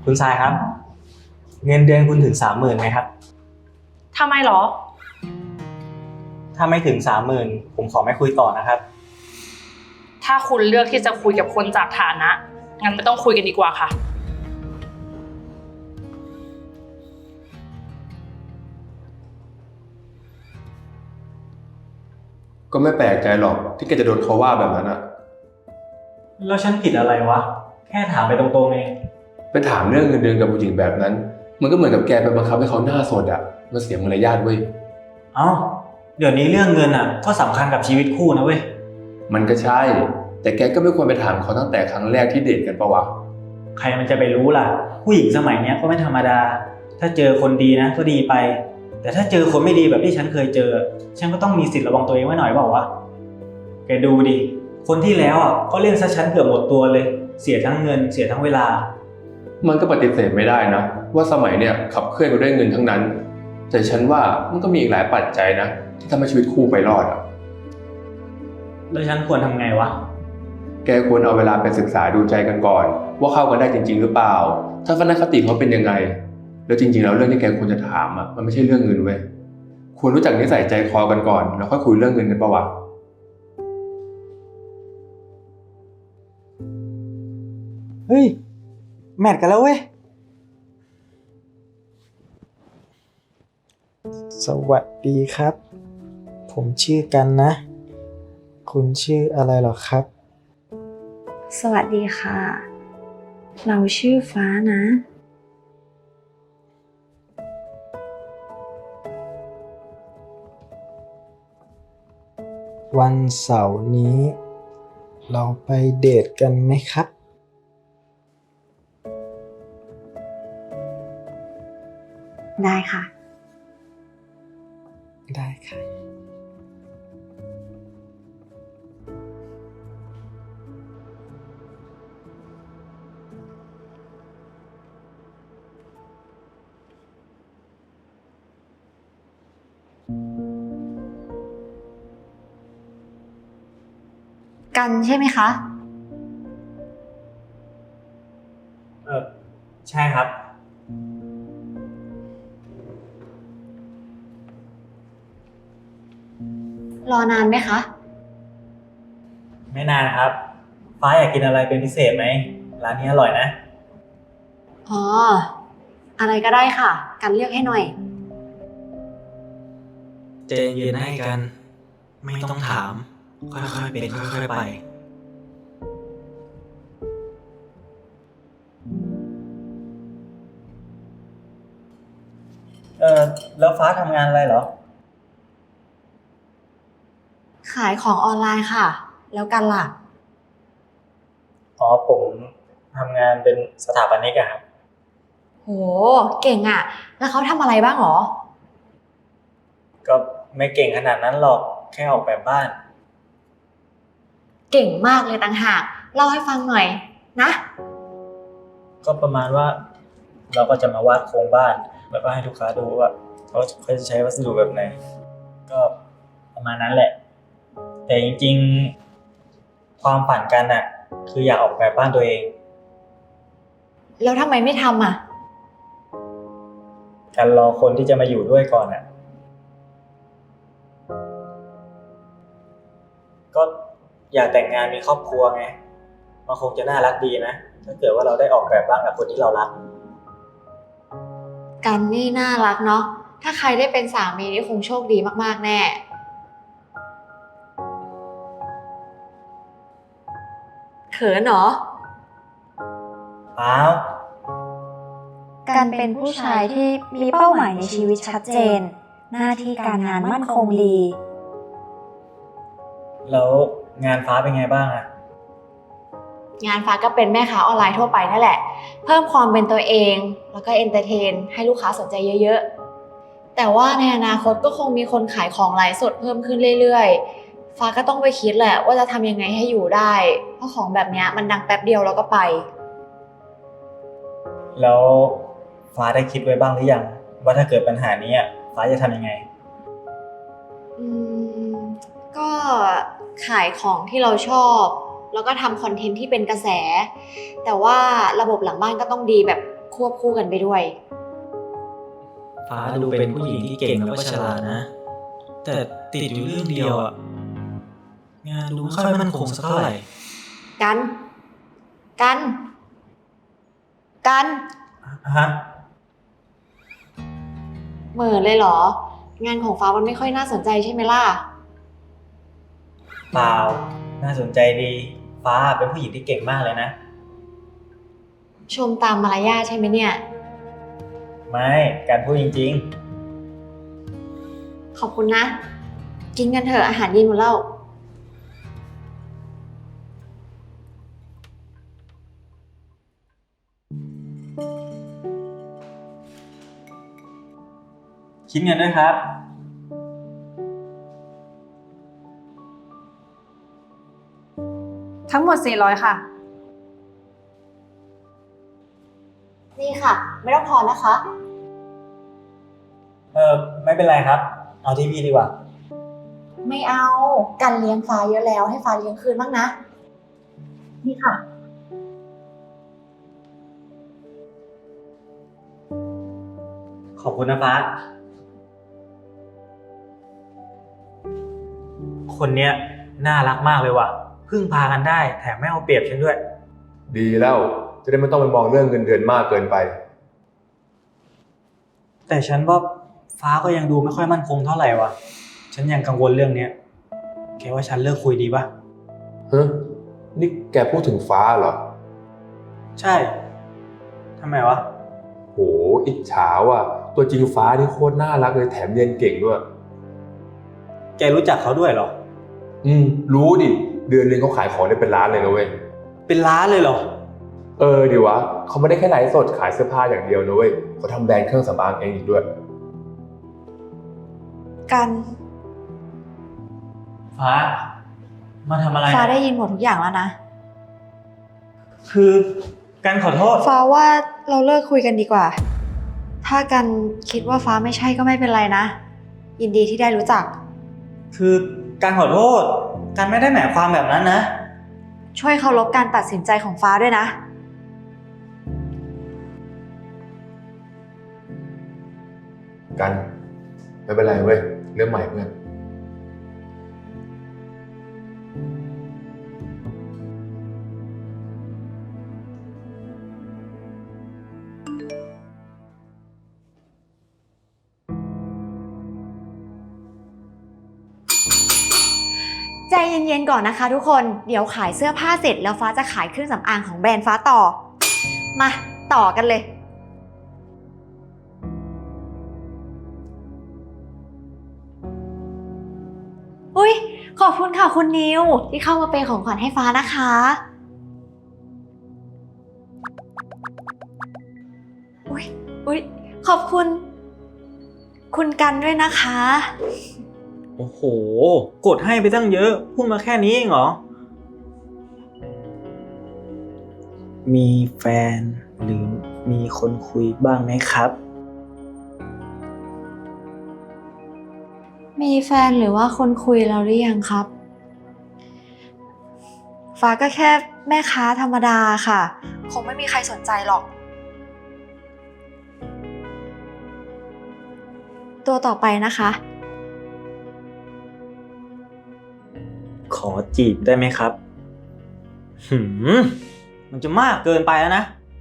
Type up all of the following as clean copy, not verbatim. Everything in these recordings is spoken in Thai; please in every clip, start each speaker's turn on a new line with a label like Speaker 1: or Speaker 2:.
Speaker 1: คุณทรายครับเงินเดือนคุณถึง30,000ไหมครับ
Speaker 2: ทำไมหรอ
Speaker 1: ถ้าไม่ถึง30,000ผมขอไม่คุยต่อนะครับ
Speaker 2: ถ้าคุณเลือกที่จะคุยกับคนจากฐานะงั้นไม่ต้องคุยกันดีกว่าค่ะ
Speaker 3: ก็ไม่แปลกใจหรอกที่แกจะโดนเขาว่าแบบนั้นอะ
Speaker 1: แล้วฉันผิดอะไรวะแค่ถามไปตรงๆเอง
Speaker 3: ไปถามเรื่องเงินเดือนกับผู้หญิงแบบนั้นมันก็เหมือนกับแกไปบังคับให้เขาหน้าสดอะมันเสียมารยาทเว้ย
Speaker 1: เอ้าเดี๋ยวนี้เรื่องเงินก็สำคัญกับชีวิตคู่นะเว้ย
Speaker 3: มันก็ใช่แต่แกก็ไม่ควรไปถามเขาตั้งแต่ครั้งแรกที่เดทกันปะวะ
Speaker 1: ใครมันจะไปรู้ล่ะผู้หญิงสมัยเนี้ยก็ไม่ธรรมดาถ้าเจอคนดีนะก็ดีไปแต่ถ้าเจอคนไม่ดีแบบที่ฉันเคยเจอฉันก็ต้องมีสิทธิ์ระวังตัวเองไว้หน่อยเปล่าวะแกดูดิคนที่แล้วก็เล่นซะฉันเกือบหมดตัวเลยเสียทั้งเงินเสียทั้งเวลา
Speaker 3: มันก็ปฏิเสธไม่ได้นะว่าสมัยเนี่ยขับเคลื่อนไปด้วยเงินทั้งนั้นแต่ฉันว่ามันก็มีอีกหลายปัจจัยนะที่ทำให้ชีวิตคู่ไปรอดอะ
Speaker 1: แล้วฉันควรทำไงวะ
Speaker 3: แกควรเอาเวลาไปศึกษาดูใจกันก่อนว่าเข้ากันได้จริงๆหรือเปล่าทัศนคติเขาเป็นยังไงแล้วจริงๆแล้วเรื่องที่แกควรจะถามมันไม่ใช่เรื่องเงินเว้ยควรรู้จักนิสัยใจคอกันก่อนแล้วค่อยคุยเรื่องเงินกันปะวะ
Speaker 1: เฮ้ยแมทกันแล้วเว้ยสวัสดีครับผมชื่อกันนะคุณชื่ออะไรหรอครับ
Speaker 4: สวัสดีค่ะเราชื่อฟ้านะ
Speaker 1: วันเสาร์นี้เราไปเดทกันไหมครับ
Speaker 4: ได้ค่ะ
Speaker 1: ได้ค่ะ
Speaker 4: กันใช่ไหมคะ
Speaker 1: ใช่ครับ
Speaker 4: รอนานไหมคะ
Speaker 1: ไม่นานครับฟ้าอยากกินอะไรเป็นพิเศษไหมร้านนี้อร่อยนะ
Speaker 4: อ๋ออะไรก็ได้ค่ะกันเลือกให้หน่อย
Speaker 1: ใจเย็นให้กันไม่ต้องถามค่อยๆเป็นค่อยๆไปแล้วฟ้าทำงานอะไรเหรอ
Speaker 4: ขายของออนไลน์ค่ะแล้วกันล่ะ
Speaker 1: อ๋อผมทำงานเป็นสถาปนิกอะครับ
Speaker 4: โหเก่งอ่ะแล้วเขาทำอะไรบ้างหรอ
Speaker 1: ก็ไม่เก่งขนาดนั้นหรอกแค่ออกแบบบ้าน
Speaker 4: เก่งมากเลยต่างหากเล่าให้ฟังหน่อยนะ
Speaker 1: ก็ประมาณว่าเราก็จะมาวาดโครงบ้านแล้วก็ให้ลูกค้าดูว่าเขาจะใช้วัสดุแบบไหนก็ประมาณนั้นแหละแต่จริงๆความฝันกันคืออยากออกแบบบ้านตัวเอง
Speaker 4: แล้วทำไมไม่ทำอ่ะ
Speaker 1: การรอคนที่จะมาอยู่ด้วยก่อนก็อยากแต่งงานมีครอบครัวไงมันคงจะน่ารักดีนะถ้าเกิดว่าเราได้ออกแบบบ้านกับคนที่เรารัก
Speaker 4: กันนี่น่ารักเนาะถ้าใครได้เป็นสามีนี่คงโชคดีมากๆแน่เขินเหรอ
Speaker 1: เปล่า
Speaker 4: การเป็นผู้ชายที่มีเป้าหมายในชีวิตชัดเจนหน้าที่การงานมั่นคงดี
Speaker 1: แล้วงานฟ้าเป็นไงบ้าง
Speaker 4: งานฟ้าก็เป็นแม่ค้าออนไลน์ทั่วไปนั่นแหละเพิ่มความเป็นตัวเองแล้วก็เอนเตอร์เทนให้ลูกค้าสนใจเยอะๆแต่ว่าในอนาคตก็คงมีคนขายของไลฟ์สดเพิ่มขึ้นเรื่อยๆฟ้าก็ต้องไปคิดแหละว่าจะทำยังไงให้อยู่ได้เพราะของแบบนี้มันดังแป๊บเดียวแล้วก็ไป
Speaker 1: แล้วฟ้าได้คิดไว้บ้างหรือยังว่าถ้าเกิดปัญหานี้ฟ้าจะทำยังไง
Speaker 4: อืมก็ขายของที่เราชอบแล้วก็ทำคอนเทนต์ที่เป็นกระแสแต่ว่าระบบหลังบ้านก็ต้องดีแบบควบคู่กันไปด้วย
Speaker 1: ฟ้าดูเป็นผู้หญิงที่เก่งแล้วก็ฉลาดนะ แต่ติดอยู่เรื่องเดียวอ่ะ งานดูไม่ค่อยมั่นคงสักเท่าไหร่
Speaker 4: กัน กัน กัน
Speaker 1: ฮะ
Speaker 4: เหม่อเลยเหรอ งานของฟ้ามันไม่ค่อยน่าสนใจใช่ไหมล่ะ
Speaker 1: เปล่า น่าสนใจดี ฟ้าเป็นผู้หญิงที่เก่งมากเลยนะ
Speaker 4: ชมตามมารยาทใช่ไหมเนี่ย
Speaker 1: ไม่ การพูดจริง
Speaker 4: ขอบคุณนะ กินกันเถอะอาหารเย็นหมดแล้ว
Speaker 1: ๆ คิดเงินด้วยครับ
Speaker 2: ทั้งหมด 400 ค่ะ
Speaker 4: นี่ค่ะ ไม่ต้องทอนนะคะ
Speaker 1: ไม่เป็นไรครับ เอาที่พี่ดีกว่า
Speaker 4: ไม่เอา กันเลี้ยงฟ้าเยอะแล้วให้ฟ้าเลี้ยงคืนบ้างนะ นี่ค่ะ
Speaker 1: ขอบคุณนะฟ้า คนเนี้ยน่ารักมากเลยว่ะ พึ่งพากันได้ แถมไม่เอาเปรียบฉันด้วย
Speaker 3: ดีแล้วจะได้ไม่ต้องไปมองเรื่องเงินเดือนมากเกินไป
Speaker 1: แต่ฉันว่าฟ้าก็ยังดูไม่ค่อยมั่นคงเท่าไหร่ว่ะ ฉันยังกังวลเรื่องเนี้ยแกว่าฉันเลิกคุยดีปะ
Speaker 3: ฮะ นี่แกพูดถึงฟ้าเหรอ
Speaker 1: ใช่ ทำไมวะ
Speaker 3: โห อิจฉาว่ะ ตัวจริงฟ้านี่โคตรน่ารักเลยแถมเรียนเก่งด้วย
Speaker 1: แกรู้จักเขาด้วยเหรอ
Speaker 3: รู้ดิ เดือนนึงเขาขายของได้เป็นล้านเลยนะเว้ย
Speaker 1: เป็นล้านเลยเหรอ
Speaker 3: ดิวะ เขาไม่ได้แค่ไลฟ์สดขายเสื้อผ้าอย่างเดียวนะเว้ยเขาทำแบรนด์เครื่องสำอางเองอีกด้วย
Speaker 4: กัน
Speaker 1: ฟ้า มาทำอะไร
Speaker 4: ฟ้าได้ยินหมดทุกอย่างแล้วนะ
Speaker 1: คือการขอโทษ
Speaker 4: ฟ้าว่าเราเลิกคุยกันดีกว่า ถ้ากันคิดว่าฟ้าไม่ใช่ก็ไม่เป็นไรนะ ยินดีที่ได้รู้จัก
Speaker 1: คือการขอโทษ การไม่ได้หมายความแบบนั้นนะ
Speaker 4: ช่วยเคารพการตัดสินใจของฟ้าด้วยนะ
Speaker 3: กัน ไม่เป็นไรเว้ย เรื่องใหม่เพื่อน
Speaker 4: ใจเย็นๆก่อนนะคะทุกคน เดี๋ยวขายเสื้อผ้าเสร็จแล้วฟ้าจะขายเครื่องสำอางของแบรนด์ฟ้าต่อ มาต่อกันเลย อุ๊ย ขอบคุณค่ะคุณนิวที่เข้ามาเป็นของขวัญให้ฟ้านะคะ อุ๊ย ขอบคุณ คุณกันด้วยนะคะ
Speaker 1: โอ้โห กดให้ไปตั้งเยอะ พูดมาแค่นี้เองเหรอ มีแฟนหรือมีคนคุยบ้างไหมครับ
Speaker 4: มีแฟนหรือว่าคนคุยเราหรือยังครับ ฟ้าก็แค่แม่ค้าธรรมดาค่ะ คงไม่มีใครสนใจหรอก ตัวต่อไปนะคะ
Speaker 1: ขอจีบได้ไหมครับ มันจะมากเกินไปแล้วนะ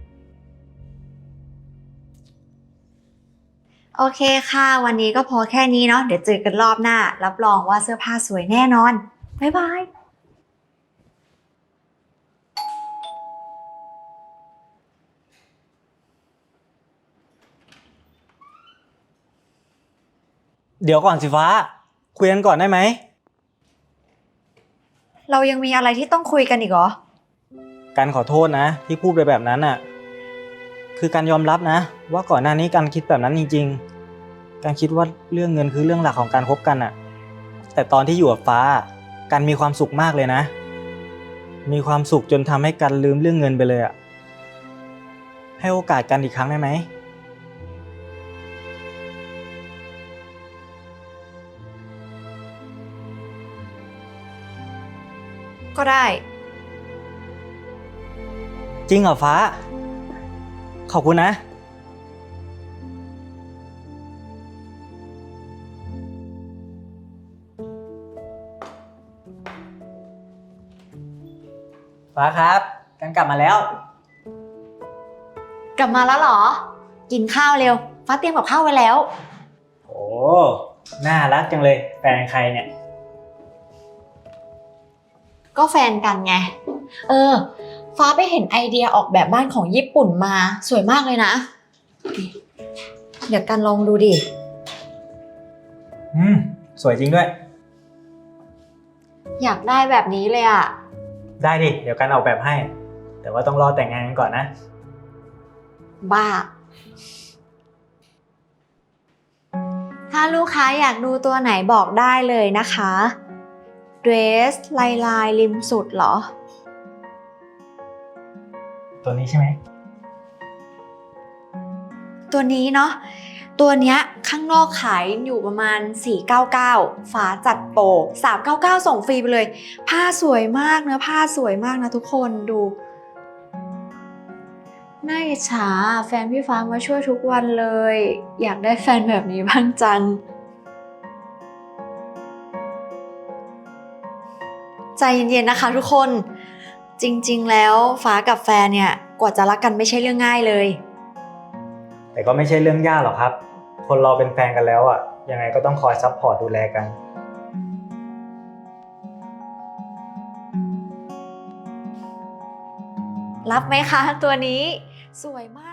Speaker 4: โอเคค่ะ วันนี้ก็พอแค่นี้เนาะ เดี๋ยวเจอกันรอบหน้า รับรองว่าเสื้อผ้าสวยแน่นอน บ๊ายบาย
Speaker 1: เดี๋ยวก่อนสิฟ้า คุยกันก่อนได้ไหม
Speaker 4: เรายังมีอะไรที่ต้องคุยกันอีกเหรอ
Speaker 1: การขอโทษนะ ที่พูดไปแบบนั้นน่ะ คือการยอมรับนะ ว่าก่อนหน้านี้การคิดแบบนั้นจริงๆ การคิดว่าเรื่องเงินคือเรื่องหลักของการคบกันน่ะ แต่ตอนที่อยู่กับฟ้าการมีความสุขมากเลยนะ มีความสุขจนทำให้กันลืมเรื่องเงินไปเลยอ่ะ ให้โอกาสกันอีกครั้งได้ไหม
Speaker 4: ก็ได้
Speaker 1: จริงเหรอฟ้า ขอบคุณนะ ฟ้าครับกันกลับมาแล้ว
Speaker 4: กลับมาแล้วเหรอ กินข้าวเร็ว ฟ้าเตรียมกับข้าวไว้แล้ว
Speaker 1: โอ้น่ารักจังเลย แฟนใครเนี่ย
Speaker 4: ก็แฟนกันไง ฟ้าไปเห็นไอเดียออกแบบบ้านของญี่ปุ่นมาสวยมากเลยนะ เดี๋ยวกันลองดูดิ
Speaker 1: สวยจริงด้วย
Speaker 4: อยากได้แบบนี้เลยอะ
Speaker 1: ได้ดิ เดี๋ยวกันออกแบบให้ แต่ว่าต้องรอแต่งงานกันก่อนนะ
Speaker 4: บ้า ถ้าลูกค้าอยากดูตัวไหนบอกได้เลยนะคะเดรสลายริมสุดเหรอ
Speaker 1: ตัวนี้ใช่ไหม
Speaker 4: ตัวนี้เนาะ ตัวเนี้ยข้างนอกขายอยู่ประมาณ 499 ฝาจัดโปร399 ส่งฟรีไปเลย ผ้าสวยมากเนื้อผ้าสวยมากนะทุกคนดู น่าอิจฉาแฟนพี่ฟ้ามาช่วยทุกวันเลย อยากได้แฟนแบบนี้บ้างจัง ใจเย็นๆนะคะทุกคน จริงๆแล้วฟ้ากับแฟนเนี่ยกว่าจะรักกันไม่ใช่เรื่องง่ายเลย
Speaker 1: แต่ก็ไม่ใช่เรื่องยากหรอกครับ คนเราเป็นแฟนกันแล้วอ่ะ ยังไงก็ต้องคอยซัพพอร์ตดูแลกัน
Speaker 4: รับไหมคะตัวนี้สวยมาก